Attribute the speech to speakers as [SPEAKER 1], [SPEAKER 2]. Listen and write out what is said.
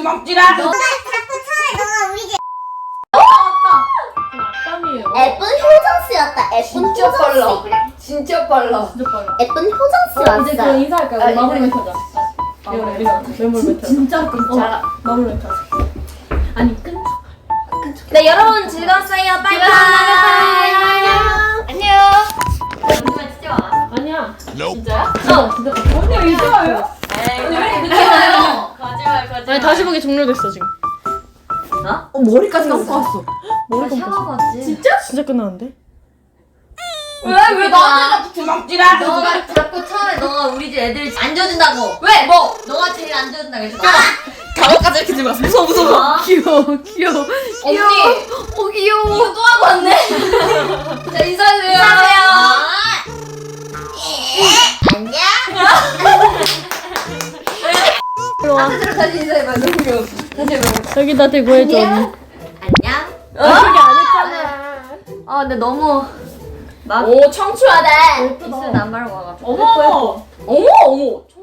[SPEAKER 1] 주먹질아.
[SPEAKER 2] 너가 자꾸 쳐해. 너가 우리 집.
[SPEAKER 3] 땀이에요.
[SPEAKER 2] 예쁜 효정 씨였다. 예쁜
[SPEAKER 4] 진짜
[SPEAKER 2] 효정
[SPEAKER 4] 빨라.
[SPEAKER 2] 씨.
[SPEAKER 4] 진짜 빨라.
[SPEAKER 3] 진짜 빨라.
[SPEAKER 2] 예쁜 효정 씨 왔어.
[SPEAKER 3] 이제 그럼 인사할까요?
[SPEAKER 4] 아,
[SPEAKER 3] 마무리
[SPEAKER 4] 인사해.
[SPEAKER 3] 멘트 하자. 메모리 멘트 하자. 진짜 끊자. 마무리 멘트 하자. 아니 끊자.
[SPEAKER 5] 네 여러분 즐거웠어요. 빠이빠이. 안녕. 정말 진짜 많아.
[SPEAKER 3] 아니야.
[SPEAKER 5] 진짜야?
[SPEAKER 3] 진짜. 언니 이제 와요?
[SPEAKER 5] 언니 왜 이렇게 늦게 와요? 거짓말.
[SPEAKER 3] 아니 다시 보기 종료됐어 지금.
[SPEAKER 4] 머리까지 감고 왔어.
[SPEAKER 5] 나 샤워 갔지.
[SPEAKER 3] 진짜 끝나는데?
[SPEAKER 5] 왜 나한테
[SPEAKER 1] 주먹질아.
[SPEAKER 5] 너가 자꾸 처음에 너가 우리 집 애들 안 줘준다고. 왜? 뭐? 너가 제일 안 줘준다고 했어.
[SPEAKER 4] 가방까지 이렇게 들고 왔어. 무서워.
[SPEAKER 3] 귀여워.
[SPEAKER 5] 언니.
[SPEAKER 3] 귀여워.
[SPEAKER 5] 이거 또 하고 왔네. 자 인사해주세요. 인사하세요.
[SPEAKER 2] 안녕.
[SPEAKER 3] 일로 와.
[SPEAKER 5] 다시 인사해봐. 너무 귀여워. 다시 해봐.
[SPEAKER 3] 여기다 대고 해줘 언니.
[SPEAKER 5] 안녕.
[SPEAKER 3] 그게 안 했잖아.
[SPEAKER 5] 아 근데 너무 막
[SPEAKER 4] 오 청초하다.
[SPEAKER 5] 입술 안 바르고 와가지고.
[SPEAKER 4] 어머. 어머.